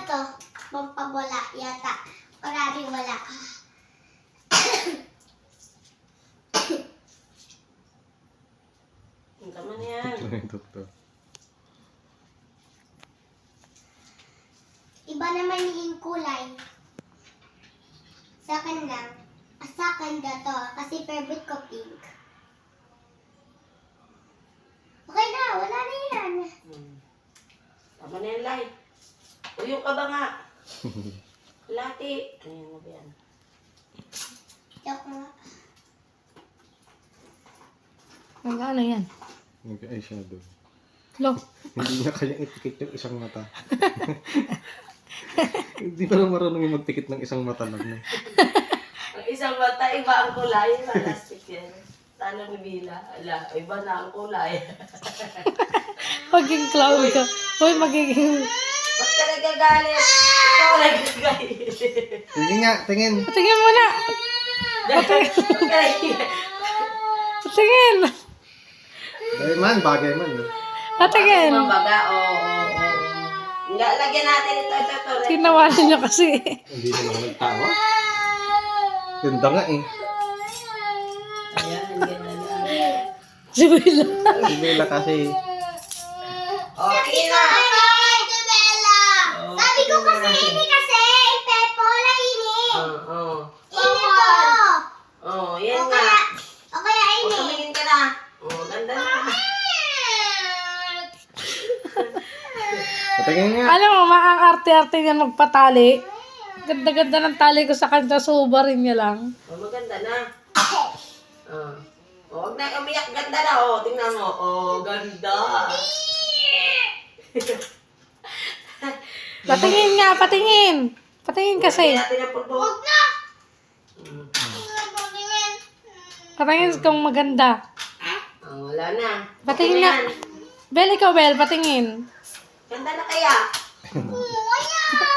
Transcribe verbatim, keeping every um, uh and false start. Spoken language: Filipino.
to. Pampawala yata. Maraming wala. Ang tama na yan. Ito yung doktor. Iba naman yung kulay. Sa akin lang. Ah, sa akin ga to. Kasi favorite ko pink. Okay na, wala na yan. Hmm. Tama na yan, Lai. Uyong ka ba nga? Lati. Ayan mo ba yan? Joke nga. Magkano yan? Nag-eyeshadow. Lo. Hindi niya kaya itikit yung isang mata. Hindi pa lang marunong yung magtikit ng isang mata lang. No? Ang isang mata, iba ang kulay. Plastic yan. Talo ni Bila. Ala, iba na ang kulay. Magiging clown ka. Hoy, magiging... Ba't ka nagagalit? Ikaw nagagalit. Sige nga, tingin. Patingin mo na! Patingin! Dahil man, bagay man. Eh. Patingin! Mabaga, oo, oo, oo. Lagyan natin ito, ito, ito. Tinawanan niyo kasi. Hindi na naman nagtawa. Ganda nga eh. Ayan, ang ganda na. Si Bella. Hindi na kasi. Okay na. Ay, Bella! Oh, Sabi ko tingnan kasi, natin. ini kasi. Pepo, la ini. Oo, oo. Ini po. Oo, yan O nga. kaya, o kaya O, ini. tumingin ka na. Oo, ganda na. Patingin nga. Alam mo, maang arte-arte niya magpatali. Ganda-ganda ng tali ko sa kanya, subarin niya lang. O, maganda na. Oo. O, huwag na umiyak. Ganda na. O, tingnan mo. O, ganda. Patingin nga, patingin. Patingin kasi. Lagyan natin ang pulbo. Huwag na. Mm. Patingin kung maganda. O, wala na. Patingin Okay nga. yan. Bel, ikaw, Bel, patingin. Ganda na kaya. Ayan.